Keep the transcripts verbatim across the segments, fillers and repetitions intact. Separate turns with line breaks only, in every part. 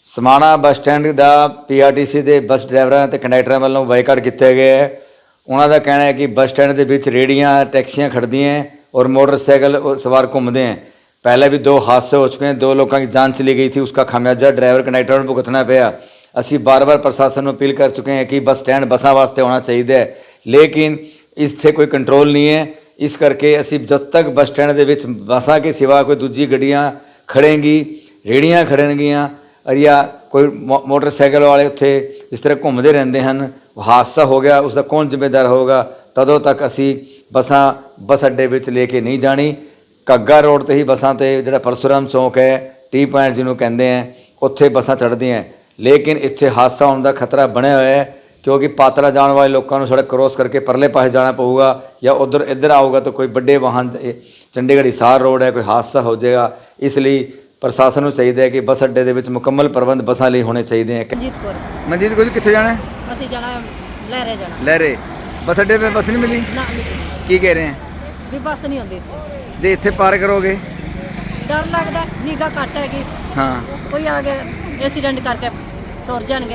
समाणा bus stand का P R T C के बस ड्राइवरों ते कंडक्टरों वालों बाईकाट किया गया है। उन्होंने कहना है कि बस स्टैंड के विच रेहड़ियाँ टैक्सियाँ खड़दियाँ हैं और मोटरसाइकिल सवार घूमते हैं। पहले भी दो हादसे हो चुके हैं, दो लोगों की जान चली गई थी, उसका खामियाजा ड्राइवर कंडक्टर को भुगतना पाया। असी बार बार प्रशासन को अपील कर चुके हैं कि बस स्टैंड बसा वास्ते होना चाहिए, लेकिन इससे कोई कंट्रोल नहीं है। इस करके असी जब तक बस स्टैंड के विच बसा के सिवा कोई दूजी गड्डियाँ खड़ेंगी, रेहड़ियाँ खड़नगियाँ और या कोई मो मोटरसाइकिल वाले उत्थे जिस तरह घूमते रहते हैं, हादसा हो गया उसका कौन जिम्मेदार होगा। तदों तक असी बसा बस अड्डे विच लेके नहीं जानी। घग्गा रोड ते ही बसां ते जिहड़ा परशुराम चौक है, टी पॉइंट जिन्होंने कहते हैं, उत्थे बसां चढ़दियां हैं, लेकिन इत्थे हादसा होने का खतरा बनया हुआ है क्योंकि पात्रा जाने वाले लोगों को सड़क क्रॉस करके परले पासे जाना पऊगा या उधर इधर आऊगा तो कोई बड़े वाहन चंडीगढ़ हिसार रोड है, कोई हादसा हो जाएगा। इसलिए प्रशासन को चाहिए है कि बस अड्डे के विच मुकम्मल प्रबंध बसां लई होने चाहिए हैं। मनजीत कोल कित्थे जाना है?
ਅਸੀਂ ਜਾਣਾ ਲਹਿਰੇ ਜਾਣਾ।
लहरे बस अड्डे पे बस नहीं मिली?
ਨਾ
की कह रहे हैं?
ਵੀ ਬੱਸ ਨਹੀਂ ਆਉਂਦੀ ਇੱਥੇ।
जे इत्थे पार करोगे?
ਡਰ ਲੱਗਦਾ, ਨਿਗਾ ਘੱਟ ਹੈਗੀ।
हाँ
ਕੋਈ ਆ ਕੇ ਐਕਸੀਡੈਂਟ ਕਰਕੇ ਟੁਰ ਜਾਣਗੇ।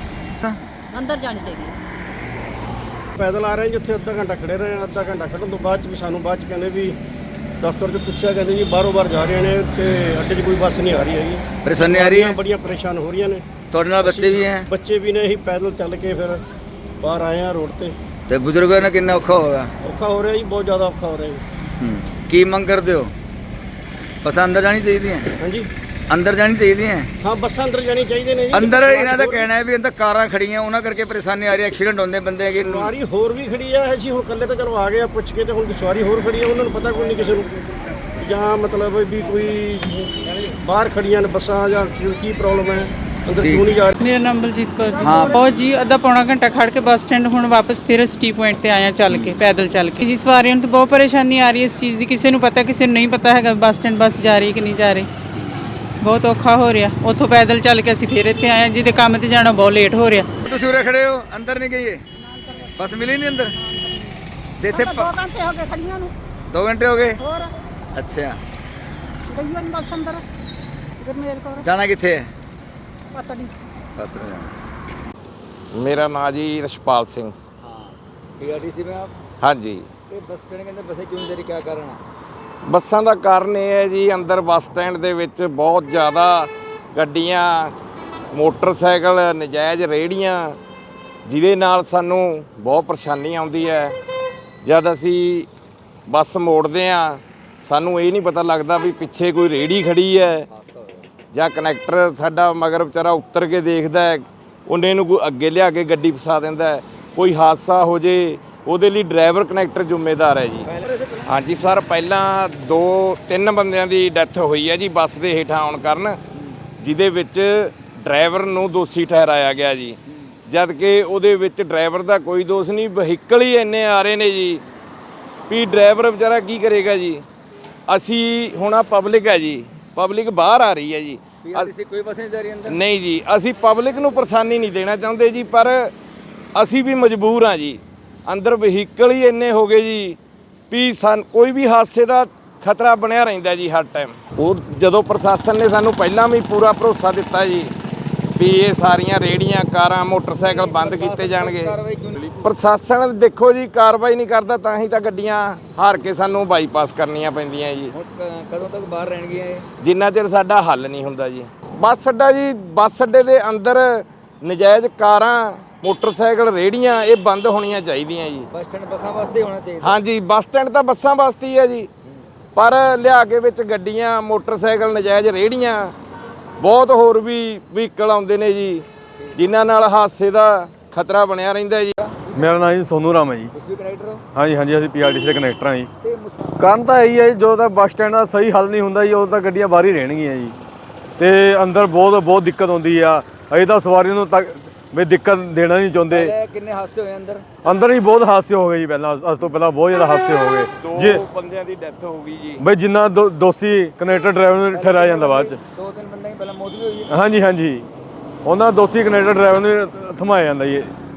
ਅੰਦਰ ਜਾਣੀ ਚਾਹੀਦੀ ਹੈ।
पैदल आ रहे हैं जिथे अद्धा घंटा खड़े रहे, अद्धा घंटा खड़न तो बाद भी सानू बाद कहने भी दफ्तर से पूछा, कहते जी बारों बार जा रहे हैं तो अड्डे च कोई बस नहीं आ रही है।
परेशानी आ रही है?
बड़िया परेशान हो रही ने।
थोड़े नाल बच्चे भी हैं?
बच्चे भी ने, ही पैदल चल के फिर बाहर आए हैं रोड पे।
तो बुजुर्गों ने कितना औखा होगा?
औखा हो रहा है जी, बहुत ज़्यादा औखा हो रहा है।
की मंग करते हो? बस अंदर जानी चाहिए?
हाँ जी,
अंदर जानी चाहिए?
हाँ बस अंदर जानी चाहिए ने जी।
अंदर इन्हों का कहना है भी अंदर कारां खड़ियां उन्होंने करके परेशानी आ रही है, एक्सीडेंट होंदे बंदे की।
सवारी होर भी खड़ी है जी, हुण कल्ले तो चलो आ गए पुछ के, तो हुण सवारी होर खड़ी है, उन्होंने पता कोई नहीं किसी को जां मतलब भी कोई बाहर खड़ियां ने बसां जां की प्रॉब्लम है, अंदर क्यों नहीं जा रही।
मेरा नाम बलजीत कौर जी।
हाँ।
बहुत जी अद्धा पौना घंटा खड़ के बस स्टैंड हुण वापस फिर अस टी पॉइंट ते आए हैं चल के, पैदल चल के जी। सवारियों ਨੂੰ तो बहुत परेशानी आ रही है इस चीज़ की, किसी ਨੂੰ पता किसी ਨੂੰ नहीं पता है बस स्टैंड बस जा रही कि नहीं जा रही। बहुत औखा हो रहा, उतों पैदल चल के ਅਸੀਂ ਫਿਰ ਇੱਥੇ ਆਏ ਜਿਹਦੇ ਕੰਮ ਤੇ ਜਾਣਾ ਬਹੁਤ ਲੇਟ ਹੋ ਰਿਹਾ।
ਤੁਸੀਂ ਉਰੇ ਖੜੇ ਹੋ, ਅੰਦਰ ਨਹੀਂ ਗਏ? ਬਸ ਮਿਲੀ ਨਹੀਂ ਅੰਦਰ? ਤੇ ਇੱਥੇ
ਦੋ ਘੰਟੇ ਹੋ ਗਏ ਖੜੀਆਂ ਨੂੰ।
दो घंटे हो गए?
ਹੋਰ
अच्छा,
ਗਈਆਂ ਨਹੀਂ ਬੱਸ ਅੰਦਰ। ਗੁਰਮੇਲ ਕੌਰ
जाना कित्थे है?
ਪਤਾ ਨਹੀਂ।
पत्र जाना।
मेरा नाम जी रशपाल सिंह।
हाँ, पी आर टी सी में आप?
हाँ जी।
ये बस स्टैंड के अंदर बसें क्यों नहीं जा रही, क्या कारण है?
ਬੱਸਾਂ ਦਾ ਕਾਰਨ ਇਹ ਹੈ ਜੀ, ਅੰਦਰ ਬੱਸ ਸਟੈਂਡ ਦੇ ਵਿੱਚ ਬਹੁਤ ਜ਼ਿਆਦਾ ਗੱਡੀਆਂ, ਮੋਟਰਸਾਈਕਲ, ਨਜਾਇਜ਼ ਰੇਹੜੀਆਂ, ਜਿਹਦੇ ਨਾਲ ਸਾਨੂੰ ਬਹੁਤ ਪਰੇਸ਼ਾਨੀ ਆਉਂਦੀ ਹੈ। ਜਦ ਅਸੀਂ ਬੱਸ ਮੋੜਦੇ ਹਾਂ ਸਾਨੂੰ ਇਹ ਨਹੀਂ ਪਤਾ ਲੱਗਦਾ ਵੀ ਪਿੱਛੇ ਕੋਈ ਰੇਹੜੀ ਖੜੀ ਹੈ ਜਾਂ ਕਨੈਕਟਰ ਸਾਡਾ ਮਗਰ ਵਿਚਾਰਾ ਉੱਤਰ ਕੇ ਦੇਖਦਾ ਹੈ, ਉਹਨੇ ਨੂੰ ਕੋਈ ਅੱਗੇ ਲਿਆ ਕੇ ਗੱਡੀ ਫਸਾ ਦਿੰਦਾ ਹੈ। ਕੋਈ ਹਾਦਸਾ ਹੋ ਜੇ ਉਹਦੇ ਲਈ ਡਰਾਈਵਰ ਕਨੈਕਟਰ ਜ਼ਿੰਮੇਦਾਰ ਹੈ ਜੀ। ਹਾਂਜੀ ਸਰ, ਪਹਿਲਾਂ ਦੋ ਤਿੰਨ ਬੰਦਿਆਂ ਦੀ ਡੈਥ ਹੋਈ ਹੈ ਜੀ ਬੱਸ ਦੇ ਹੇਠਾਂ ਆਉਣ ਕਾਰਨ, ਜਿਹਦੇ ਵਿੱਚ ਡਰਾਈਵਰ ਨੂੰ ਦੋਸ਼ੀ ਠਹਿਰਾਇਆ ਗਿਆ ਜੀ, ਜਦ ਕਿ ਉਹਦੇ ਵਿੱਚ ਡਰਾਈਵਰ ਦਾ ਕੋਈ ਦੋਸ਼ ਨਹੀਂ। ਵਹੀਕਲ ਹੀ ਇੰਨੇ ਆ ਰਹੇ ਨੇ ਜੀ ਵੀ ਡਰਾਈਵਰ ਵਿਚਾਰਾ ਕੀ ਕਰੇਗਾ ਜੀ। ਅਸੀਂ ਹੁਣ ਆ ਪਬਲਿਕ ਹੈ ਜੀ, ਪਬਲਿਕ ਬਾਹਰ ਆ ਰਹੀ ਹੈ ਜੀ।
कोई बस नहीं जा रही अंदर?
ਨਹੀਂ ਜੀ, ਅਸੀਂ ਪਬਲਿਕ ਨੂੰ ਪਰੇਸ਼ਾਨੀ ਨਹੀਂ ਦੇਣਾ ਚਾਹੁੰਦੇ ਜੀ, ਪਰ ਅਸੀਂ ਵੀ ਮਜਬੂਰ ਹਾਂ ਜੀ। ਅੰਦਰ ਵਹੀਕਲ ਹੀ ਇੰਨੇ ਹੋ ਗਏ ਜੀ ਵੀ ਸਾਨ ਕੋਈ ਵੀ ਹਾਦਸੇ ਦਾ ਖਤਰਾ ਬਣਿਆ ਰਹਿੰਦਾ ਜੀ ਹਰ ਟਾਈਮ। ਉਹ ਜਦੋਂ ਪ੍ਰਸ਼ਾਸਨ ਨੇ ਸਾਨੂੰ ਪਹਿਲਾਂ ਵੀ ਪੂਰਾ ਭਰੋਸਾ ਦਿੱਤਾ ਜੀ ਵੀ ਇਹ ਸਾਰੀਆਂ ਰੇਹੜੀਆਂ, ਕਾਰਾਂ, ਮੋਟਰਸਾਈਕਲ ਬੰਦ ਕੀਤੇ ਜਾਣਗੇ। ਪ੍ਰਸ਼ਾਸਨ ਦੇਖੋ ਜੀ ਕਾਰਵਾਈ ਨਹੀਂ ਕਰਦਾ, ਤਾਂ ਹੀ ਤਾਂ ਗੱਡੀਆਂ ਹਾਰ ਕੇ ਸਾਨੂੰ ਬਾਈਪਾਸ ਕਰਨੀਆਂ ਪੈਂਦੀਆਂ ਜੀ।
ਕਦੋਂ ਤੱਕ ਬਾਹਰ ਰਹਿਣਗੀਆਂ ਇਹ?
ਜਿੰਨਾ ਚਿਰ ਸਾਡਾ ਹੱਲ ਨਹੀਂ ਹੁੰਦਾ ਜੀ। ਬੱਸ ਅੱਡਾ ਜੀ, ਬੱਸ ਅੱਡੇ ਦੇ ਅੰਦਰ ਨਜਾਇਜ਼ ਕਾਰਾਂ, ਮੋਟਰਸਾਈਕਲ, ਰੇਹੜੀਆਂ ਇਹ ਬੰਦ ਹੋਣੀਆਂ ਚਾਹੀਦੀਆਂ ਜੀ।
ਬੱਸ ਸਟੈਂਡ ਬੱਸਾਂ ਵਾਸਤੇ ਹੋਣਾ ਚਾਹੀਦਾ?
ਹਾਂਜੀ, ਬੱਸ ਸਟੈਂਡ ਤਾਂ ਬੱਸਾਂ ਵਾਸਤੇ ਹੀ ਹੈ ਜੀ, ਪਰ ਲਿਆ ਕੇ ਵਿੱਚ ਗੱਡੀਆਂ, ਮੋਟਰਸਾਈਕਲ, ਨਜਾਇਜ਼ ਰੇਹੜੀਆਂ, ਬਹੁਤ ਹੋਰ ਵੀ ਵਹੀਕਲ ਆਉਂਦੇ ਨੇ ਜੀ, ਜਿਨ੍ਹਾਂ ਨਾਲ ਹਾਦਸੇ ਦਾ ਖਤਰਾ ਬਣਿਆ ਰਹਿੰਦਾ ਜੀ।
ਮੇਰਾ ਨਾਮ ਜੀ ਸੋਨੂ ਰਾਮ ਹੈ ਜੀ।
ਤੁਸੀਂ ਕਨੈਕਟਰ ਹੋ?
ਹਾਂਜੀ ਹਾਂਜੀ, ਅਸੀਂ ਪੀ ਆਰ ਟੀ ਸੀ ਦੇ ਕਨੈਕਟਰ ਹਾਂ ਜੀ। ਕਾਰਨ ਤਾਂ ਇਹੀ ਹੈ ਜੀ, ਜੋ ਤਾਂ ਬੱਸ ਸਟੈਂਡ ਦਾ ਸਹੀ ਹੱਲ ਨਹੀਂ ਹੁੰਦਾ ਜੀ, ਉਹ ਤਾਂ ਗੱਡੀਆਂ ਬਾਹਰ ਹੀ ਰਹਿਣਗੀਆਂ ਜੀ, ਤੇ ਅੰਦਰ ਬਹੁਤ ਬਹੁਤ ਦਿੱਕਤ ਆਉਂਦੀ ਆ। ਅਸੀਂ ਤਾਂ ਸਵਾਰੀਆਂ ਨੂੰ ਤੱਕ ਵੀ ਦਿੱਕਤ ਦੇਣਾ ਨਹੀਂ ਚਾਹੁੰਦੇ।
ਕਿੰਨੇ ਹਾਦਸੇ ਹੋਏ ਅੰਦਰ?
ਅੰਦਰ ਹੀ ਬਹੁਤ ਹਾਦਸੇ ਹੋ ਗਏ ਜੀ, ਪਹਿਲਾਂ ਅੱਜ ਤੋਂ ਪਹਿਲਾਂ ਬਹੁਤ ਜ਼ਿਆਦਾ ਹਾਦਸੇ ਹੋ ਗਏ ਜੀ।
ਦੋ ਬੰਦਿਆਂ ਦੀ ਡੈਥ ਹੋ ਗਈ ਜੀ।
ਬਈ ਜਿੰਨਾ ਦੋ- ਦੋਸ਼ੀ ਕਨੈਕਟਰ ਡਰਾਈਵਰ ਨੂੰ ਠਹਿਰਾਇਆ ਜਾਂਦਾ ਬਾਅਦ ਚ।
ਦੋ ਤਿੰਨ ਬੰਦੇ ਪਹਿਲਾਂ ਮੌਤ ਵੀ ਹੋਈ ਹੈ?
ਹਾਂਜੀ ਹਾਂਜੀ, ਉਹਨਾਂ ਦੋਸ਼ੀ ਕਨੈਕਟਰ ਡਰਾਈਵਰ ਨੂੰ ਥਮਾਇਆ ਜਾਂਦਾ ਜੀ।